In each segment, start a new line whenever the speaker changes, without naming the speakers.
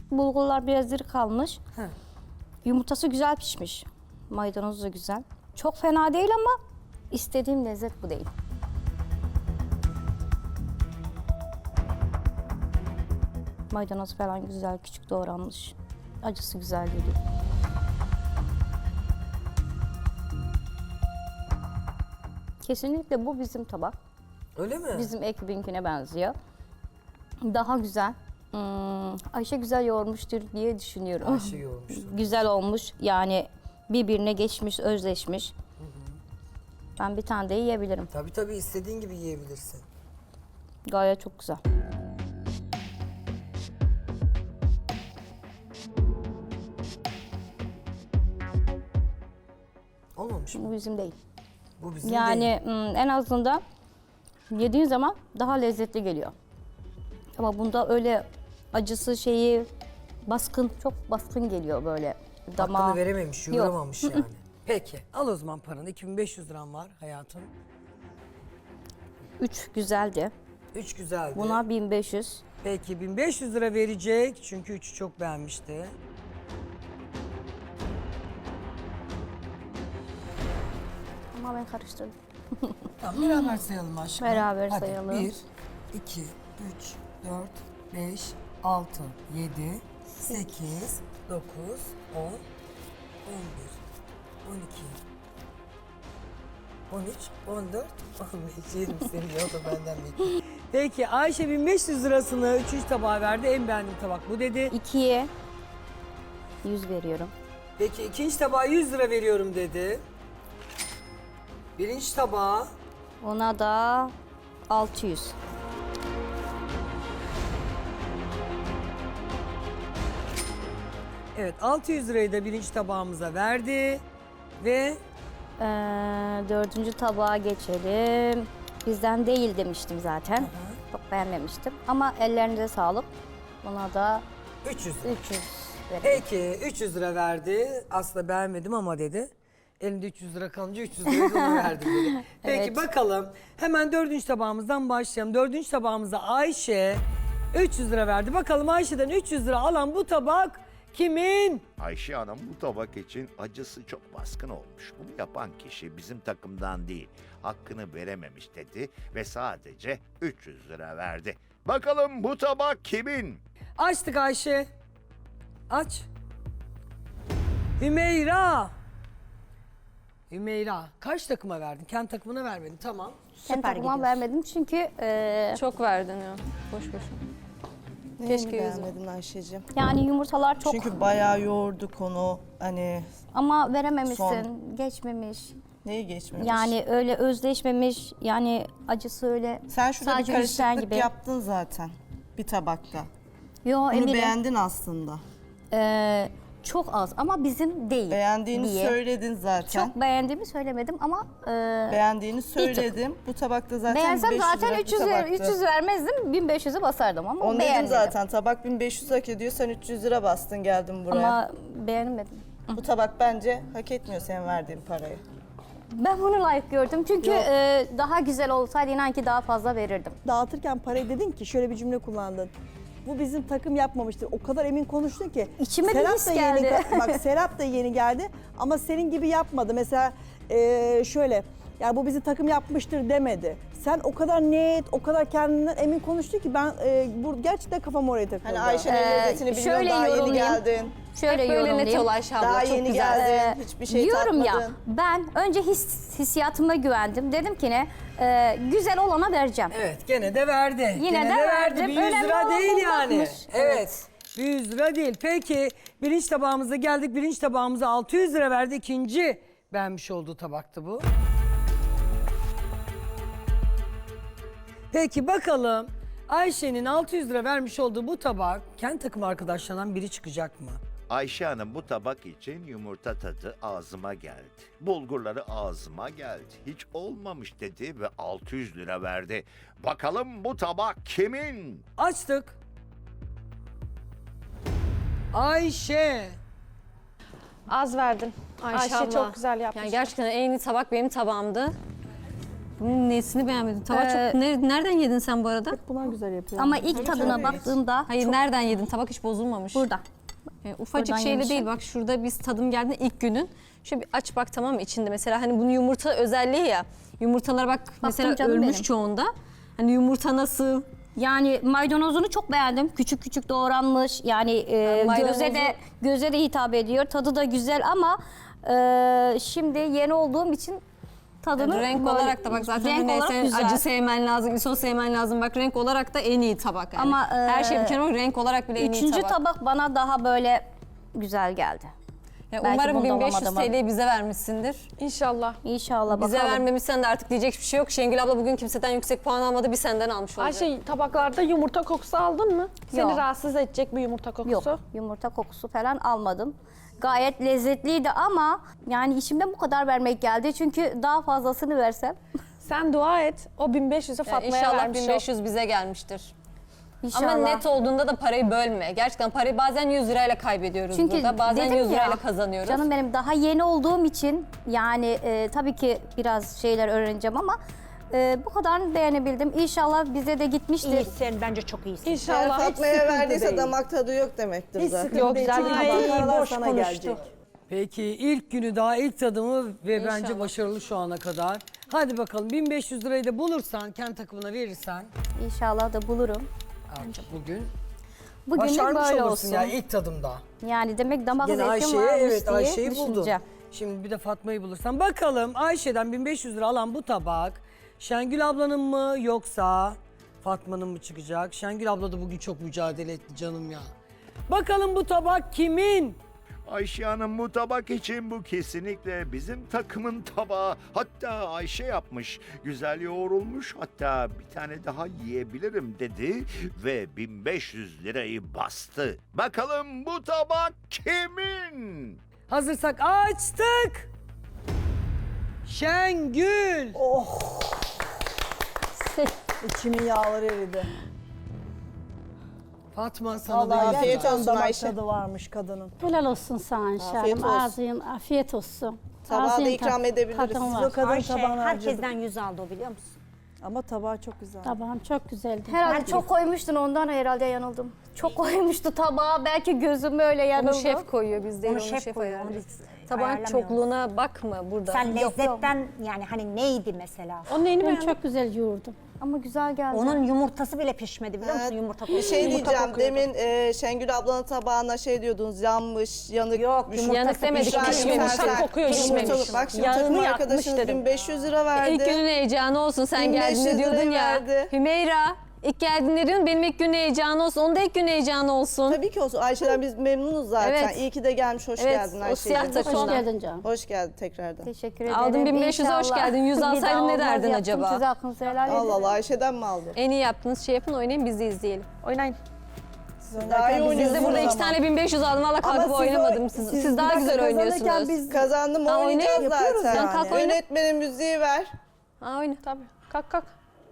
Bulgurlar biraz diri kalmış.
Heh.
Yumurtası güzel pişmiş. Maydanozu da güzel. Çok fena değil ama istediğim lezzet bu değil. Maydanoz falan güzel, küçük doğranmış. Acısı güzel geliyor. Kesinlikle bu bizim tabak.
Öyle mi?
Bizim ekibinkine benziyor. Daha güzel. Ayşe güzel yoğurmuştur diye düşünüyorum.
Ayşe yoğurmuştur.
Güzel olmuş. Yani birbirine geçmiş, özleşmiş. Ben bir tane de yiyebilirim.
Tabii istediğin gibi yiyebilirsin.
Gayet çok güzel.
Olmamış mı?
Bu bizim değil.
Bu bizim
Yani
değil.
en azından yediğin zaman daha lezzetli geliyor. Ama bunda öyle acısı şeyi baskın, çok baskın geliyor böyle damağa.
Hakkını verememiş,
Yok.
yoğuramamış yani. Peki, al o zaman paranı. 2500 liram var hayatım.
3 güzeldi.
3 güzeldi.
Buna 1500.
Peki 1500 lira verecek çünkü 3'ü çok beğenmişti.
Ama ben karıştırdım.
Tamam beraber sayalım aşkım.
Beraber
Hadi,
sayalım.
1, 2, 3, 4, 5, 6, 7, 8, 9, 10, 11, 12, 13, 14, 15, 20 senin o da benden bekliyor. Peki Ayşe 1500 lirasını 3. tabağa verdi. En beğendiğim tabak bu dedi.
2'ye 100 veriyorum.
Peki ikinci tabağa 100 lira veriyorum dedi. Birinci tabağa
Ona da 600.
evet 600 lirayı da birinci tabağımıza verdi. Ve
Dördüncü tabağa geçelim. Bizden değil demiştim zaten. Çok beğenmemiştim. Ama ellerinize sağlık. Buna da
300 lira.
300 verelim.
Peki 300 lira verdi. Aslında beğenmedim ama dedi. Elinde 300 lira kalınca 300 lirayı da ona verdim dedi. Peki
Evet.
bakalım. Hemen dördüncü tabağımızdan başlayalım. Dördüncü tabağımıza Ayşe 300 lira verdi. Bakalım Ayşe'den 300 lira alan bu tabak kimin?
Ayşe Hanım bu tabak için acısı çok baskın olmuş. Bunu yapan kişi bizim takımdan değil, hakkını verememiş dedi ve sadece 300 lira verdi. Bakalım bu tabak kimin?
Açtık Ayşe. Aç. Hümeyra. Hümeyra. Kaç takıma verdin? Kendi takımına vermedin. Tamam.
Kendi takıma vermedim çünkü
Çok verdin ya. Boş boş.
Keşke
Keşke yüzüm.
beğenmedin Ayşe'cim.
yani yumurtalar çok
Çünkü bayağı yoğurduk onu. Hani
ama verememişsin,
Son.
geçmemiş.
neyi geçmemiş?
Yani öyle özleşmemiş, yani acısı öyle
sen şurada bir
sadece üstten
karışıklık
gibi.
yaptın zaten bir tabakta.
Yo
Bunu
eminim.
beğendin aslında.
Çok az ama bizim değil
Beğendiğini
diye.
söyledin zaten.
Çok beğendiğimi söylemedim ama
Beğendiğini söyledim. Bu tabakta zaten
beğensem
500
zaten
lira bir
300,
tabaktı.
300 vermezdim, 1500'e basardım ama
Onu dedim
beğenmedim.
zaten. Tabak 1500 hak ediyor. Sen 300 lira bastın geldin buraya.
Ama beğenmedim.
Bu tabak bence hak etmiyor senin verdiğin parayı.
Ben bunu layık gördüm çünkü
Yok.
daha güzel olsaydı inan ki daha fazla verirdim.
Dağıtırken parayı dedin ki şöyle bir cümle kullandın. Bu bizim takım yapmamıştır. O kadar emin konuştun ki.
İçime bir his geldi.
Bak Serap da yeni geldi ama senin gibi yapmadı. Mesela şöyle, yani bu bizim takım yapmıştır demedi. Sen o kadar net, o kadar kendinden emin konuştun ki ben bu gerçekten kafam oraya takıldı.
Hani Ayşe'nin lezzetini bilmiyorum,
şöyle
daha yeni
yorumlayayım.
geldin.
Şöyle
Böyle net
yorumlayayım.
ol Ayşe abla.
Daha
çok
yeni
güzel.
geldin, hiçbir şey
Diyorum
tatmadın.
ya, ben önce hissiyatıma güvendim. Dedim ki ne, güzel olana vereceğim.
Evet gene de verdi.
Yine
Gene
de
verdi.
verdim.
Bir 100
Önemli
lira
olan
değil yani.
bulmakmış.
Evet. Bir 100 lira değil. Peki birinci tabağımıza geldik. Birinci tabağımıza 600 lira verdi. İkinci beğenmiş olduğu tabaktı bu. Peki bakalım Ayşe'nin 600 lira vermiş olduğu bu tabak kendi takım arkadaşlarından biri çıkacak mı?
Ayşe Hanım bu tabak için yumurta tadı ağzıma geldi. Bulgurları ağzıma geldi. Hiç olmamış dedi ve 600 lira verdi. Bakalım bu tabak kimin?
Açtık. Ayşe.
Az verdin.
Ayşe
abla.
çok güzel yapmış.
Yani gerçekten en iyi tabak benim tabağımdı. Bunun nesini beğenmedin? Tava çok... Nereden yedin sen bu arada?
Bunlar güzel yapıyor.
Ama ilk tadına baktığımda
Hayır nereden yedin? Tabak hiç bozulmamış.
burada.
Ufacık
Buradan
şeyle
yemişim.
değil bak şurada biz tadım geldiğinde ilk günün. Şöyle bir aç bak tamam mı içinde mesela hani bunun yumurta özelliği ya. Yumurtalar bak mesela
canım
ölmüş
benim.
çoğunda. Hani yumurta nasıl?
Yani maydanozunu çok beğendim. Küçük küçük doğranmış. Yani
maydanozu-
göze de hitap ediyor. Tadı da güzel ama şimdi yeni olduğum için tadını
Renk
böyle-
olarak da bak zaten
renk
hani
olarak
sen
güzel.
acı sevmen lazım, iso sevmen lazım. Bak renk olarak da en iyi tabak yani.
Ama,
her şey bir kenara renk olarak bile en iyi
Üçüncü
tabak.
tabak bana daha böyle güzel geldi.
Ya
belki
umarım
bunda
1500
olamadım ama.
TL'yi bize vermişsindir.
İnşallah.
İnşallah
Bize
bakalım.
vermemişsen de artık diyecek bir şey yok. Şengül abla bugün kimseden yüksek puan almadı, bir senden almış olacak.
Ayşe tabaklarda yumurta kokusu aldın mı? Seni
Yok.
rahatsız edecek bir yumurta kokusu.
Yok, yumurta kokusu falan almadım. Gayet lezzetliydi ama yani içimden bu kadar vermek geldi. Çünkü daha fazlasını versem
Sen dua et. O 1500'e
Yani
Fatma'ya
İnşallah
vermiş
1500 bize gelmiştir.
inşallah.
Ama net olduğunda da parayı bölme. Gerçekten parayı bazen 100 lirayla kaybediyoruz
Çünkü
burada. Bazen
dedim
100
ya,
lirayla kazanıyoruz.
Canım benim daha yeni olduğum için yani tabii ki biraz şeyler öğreneceğim ama bu kadarını beğenebildim. İnşallah bize de gitmiştir.
İyisin, bence çok iyisin.
Eğer
İnşallah.
Fatma'ya
sıkıntı
verdiyse
değil.
damak tadı yok demektir
Hiç
zaten.
sıkıntı
Yok,
değil.
güzel
Çünkü
bir tabak.
tabaklar
Boş
sana
konuştu.
gelecek.
Peki ilk günü daha ilk tadımı ve bence başarılı şu ana kadar. Hadi bakalım 1500 lirayı da bulursan kendi takımına verirsen
İnşallah da bulurum.
artık bugün
Bugünlük
başarmış
böyle
olursun
olsun.
ya ilk tadımda.
Yani demek damak
Yine
zevkim
Ayşe'ye
varmış
evet
diye
Ayşe'yi buldu.
düşüneceğim.
Şimdi bir de Fatma'yı bulursan. Bakalım Ayşe'den 1500 lira alan bu tabak Şengül ablanın mı yoksa Fatma'nın mı çıkacak? Şengül abla da bugün çok mücadele etti canım ya. Bakalım bu tabak kimin?
Ayşe Hanım bu tabak için bu kesinlikle bizim takımın tabağı. Hatta Ayşe yapmış. Güzel yoğrulmuş. Hatta bir tane daha yiyebilirim dedi ve 1500 lirayı bastı. Bakalım bu tabak kimin?
Hazırsak açtık. Şengül.
İçimin yağları eridi.
Fatma sana da
Vallahi
yüz
afiyet
lira.
olsun
damak
Ayşe.
tadı varmış kadının.
Helal olsun sana
Afiyet
Hanım.
olsun.
Ağzın afiyet olsun.
Tabağı da
Ağzın
ikram edebiliriz.
tadın
Biz
var.
o kadın
Ayşe
tabağını harcadık.
herkesten 100 aldı o biliyor musun?
Ama tabağı çok güzel.
Tabağım çok güzeldi.
Herhalde çok koymuştun ondan herhalde yanıldım. Çok koymuştu tabağa belki gözüm öyle yanıldı.
Onu şef koyuyor biz değil,
Onu
onu
şef
şef
koyuyor, onu
ayarlıyor.
biz
Tabağın
ayarlamıyoruz.
çokluğuna bakma burada.
Sen lezzetten yani hani neydi mesela?
Onun neyini
Ben
beğendin?
çok güzel yoğurdum.
Ama güzel geldi.
Onun yumurtası bile pişmedi biliyor musun?
Evet.
Yumurta
Bir
kokusu.
şey
Yumurta
diyeceğim.
kokuyordu.
Demin Şengül ablanın tabağına şey diyordunuz. Yanmış, yanık.
Yok,
bir şey.
yumurtası
Yanık demedik,
Pişmemiş,
pişmemiş.
sen-
Kokuyor,
Yumurtalı.
pişmemiş.
Bak şimdi
Yağını
takım
yakmış
arkadaşınız
dedim.
1500 lira verdi.
İlk günün heyecanı olsun sen
1500
geldiğinde diyordun
lirayı
ya.
verdi.
Hümeyra ilk geldiğinde diyordun benim ilk günün heyecanı olsun. Onun da ilk günün heyecanı olsun.
Tabii ki olsun. Ayşe'den biz memnunuz zaten.
Evet.
İyi ki de gelmiş. Hoş
Evet,
geldin
o
Ayşe'ciğim.
siyah takım.
Hoş
Sonra.
geldin canım.
Hoş geldin tekrardan.
Teşekkür ederim.
Aldın 1500'e hoş
İnşallah.
geldin. 100
Bir
alsaydın
daha
ne
olmaz,
derdin
yaptım,
acaba?
Size hakkınızı helal edin.
Allah Allah Ayşe'den mi aldın?
En iyi yaptığınız şey yapın oynayın biz de izleyelim.
Oynayın.
Daha iyi
Biz de
oynuyorsunuz
burada
ama.
2 tane 1500 aldım valla kalkıp oynamadım. Siz daha güzel oynuyorsunuz.
Biz
Kazandım
Ha,
oynayacağız
oynayın,
yapıyoruz
zaten.
yani.
Kalk oyna.
Yönetmene müziği ver.
Ha, oyna.
Tabii. Kalk kalk.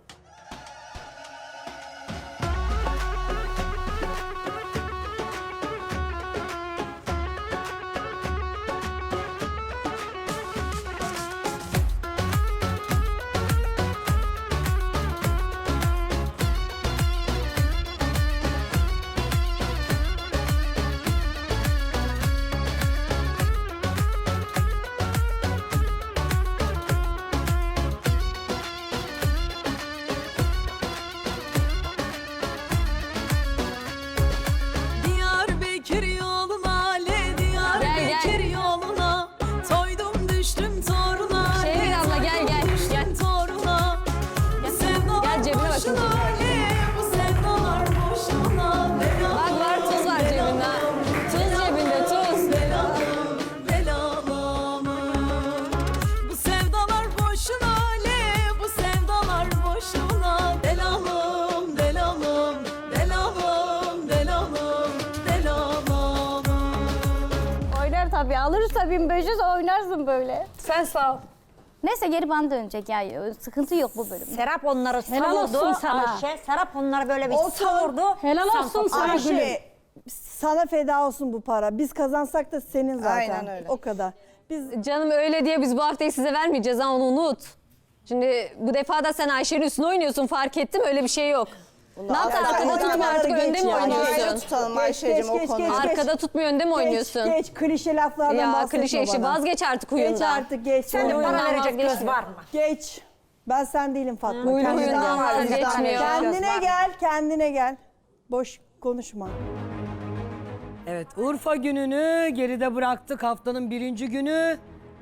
Diyarbakır yoluna, Diyarbakır yoluna, toydum düştüm toruna.
Şehrin abla gel gel. Gel.
Toruna.
Gel cebine bakın.
Bu sevdalar boşuna.
Bak var tuz var cebinde. ha. Tuz cebinde tuz.
Belalım. Bu sevdalar boşuna, bu sevdalar boşuna. Belalım, belalım, belalım, belalım, belalım.
Oynar tabii. Alırsa 1500 oynarsın böyle.
Sen sağ ol.
Neyse geri bana dönecek ya. Sıkıntı yok bu bölümde.
Serap onları
Helal olsun
savurdu.
sana.
Ayşe, Serap onları böyle bir
Olsun.
savurdu.
Helal
Sen
olsun sana gülüm.
Ayşe sana feda olsun bu para. Biz kazansak da senin zaten.
Aynen öyle.
O kadar. Biz
Canım öyle diye biz bu haftayı size vermeyeceğiz ha onu unut. Şimdi bu defa da sen Ayşe'nin üstüne oynuyorsun, fark ettim, öyle bir şey yok. Ne yaptın,
asla
arkada tutmuyor
oynamaları
artık, önde
geç
mi
yani.
Ayrı
oynuyorsun?
tutalım
Geç,
Ayşe'cim
geç,
o
geç,
konuyu.
geç.
Arkada tutmuyor, önde mi oynuyorsun?
Geç klişe laflardan
Ya
bahsetme
klişe işi,
bana.
vazgeç artık huyundan.
Geç artık geç.
Sen de
Oyundan
bana verecek
vazgeçme.
göz var mı?
Geç. Ben sen değilim Fatma.
Huylu
Kendine
huyundan
gel.
vazgeçmiyor.
Kendine gel, kendine gel. Boş konuşma.
Evet, Urfa gününü geride bıraktık, haftanın 1. günü.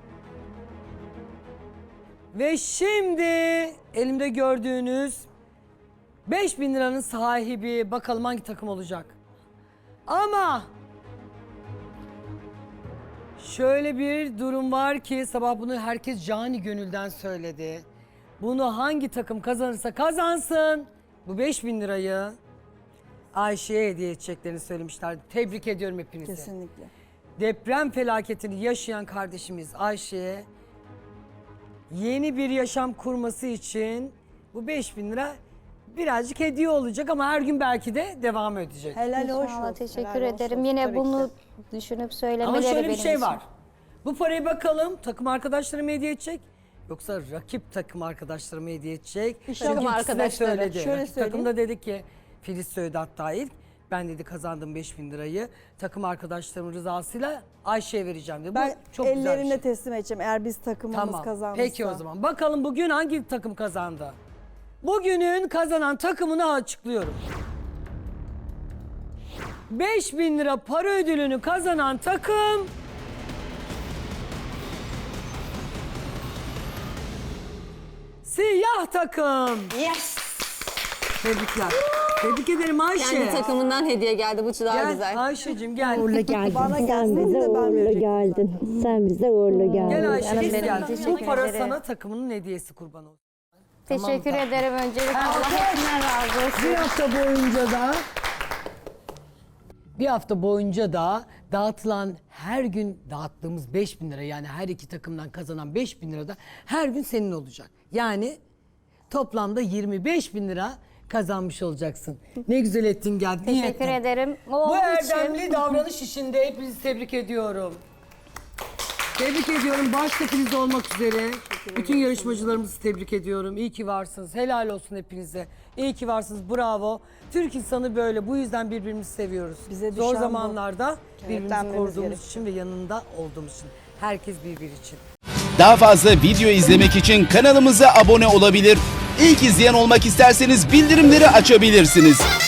Ve şimdi elimde gördüğünüz 5.000 liranın sahibi, bakalım hangi takım olacak. Ama şöyle bir durum var ki sabah bunu herkes cani gönülden söyledi. Bunu hangi takım kazanırsa kazansın bu 5.000 lirayı Ayşe'ye hediye edeceklerini söylemişler. Tebrik ediyorum hepinizi.
Kesinlikle.
Deprem felaketini yaşayan kardeşimiz Ayşe'ye yeni bir yaşam kurması için bu 5.000 lira birazcık hediye olacak ama her gün belki de devam edecek.
Helal hoş
İnşallah,
olsun.
teşekkür
helal hoş
ederim.
olsun.
Yine
Tabii ki
bunu
de.
düşünüp söylemeleri
Ama şöyle bir
benim
şey
için.
var. Bu parayı bakalım takım arkadaşlarım hediye edecek yoksa rakip takım arkadaşlarım hediye edecek. Çünkü
takım
ikisi de
arkadaşları.
söyledi.
Şöyle
Rakip
söyleyeyim.
takım da dedi ki Filiz söyledi hatta ilk. Ben dedi kazandım 5.000 lirayı. Takım arkadaşlarımın rızasıyla Ayşe'ye vereceğim dedi.
Ben
Bu çok güzel bir
ellerimle
şey.
teslim edeceğim eğer biz takımımız
Tamam.
kazanırsa.
Peki o zaman. Bakalım bugün hangi takım kazandı? Bugünün kazanan takımını açıklıyorum. 5.000 lira para ödülünü kazanan takım... Siyah takım.
Yes.
Tebrikler. Tebrik ederim Ayşe.
Kendi takımından hediye geldi, bu daha
Gel
güzel.
Ayşe'cim gel.
Uğurlu geldin.
Bana gelsin
Sen bize
de ben
uğurlu
verecektim
geldin. Sen bize uğurlu geldin.
Gel Ayşe
Canım
biz
benim,
gel. Bu
teşekkür
para
ederim.
sana takımının hediyesi kurban olsun.
Teşekkür
Tamam,
ederim öncelikle. Allah hepsinden razı olsun.
Bir hafta boyunca da dağıtılan her gün dağıttığımız 5.000 lira yani her iki takımdan kazanan 5.000 lira da her gün senin olacak. Yani toplamda 25.000 lira kazanmış olacaksın. Ne güzel ettin geldin. iyi
Teşekkür
ettin.
ederim.
Bu
Oğlum
erdemli
için.
davranış işinde hepinizi tebrik ediyorum. Tebrik ediyorum. Başta Filiz olmak üzere. Bütün yarışmacılarımızı tebrik ediyorum. İyi ki varsınız. Helal olsun hepinize. İyi ki varsınız. Bravo. Türk insanı böyle. Bu yüzden birbirimizi seviyoruz.
Bize
Zor
düşen bu.
zamanlarda birbirimizi
Kenetlenmemiz
koruduğumuz
gerekiyor.
için ve yanında olduğumuz için. Herkes birbiri için.
Daha fazla video izlemek için kanalımıza abone olabilir. İlk izleyen olmak isterseniz bildirimleri açabilirsiniz.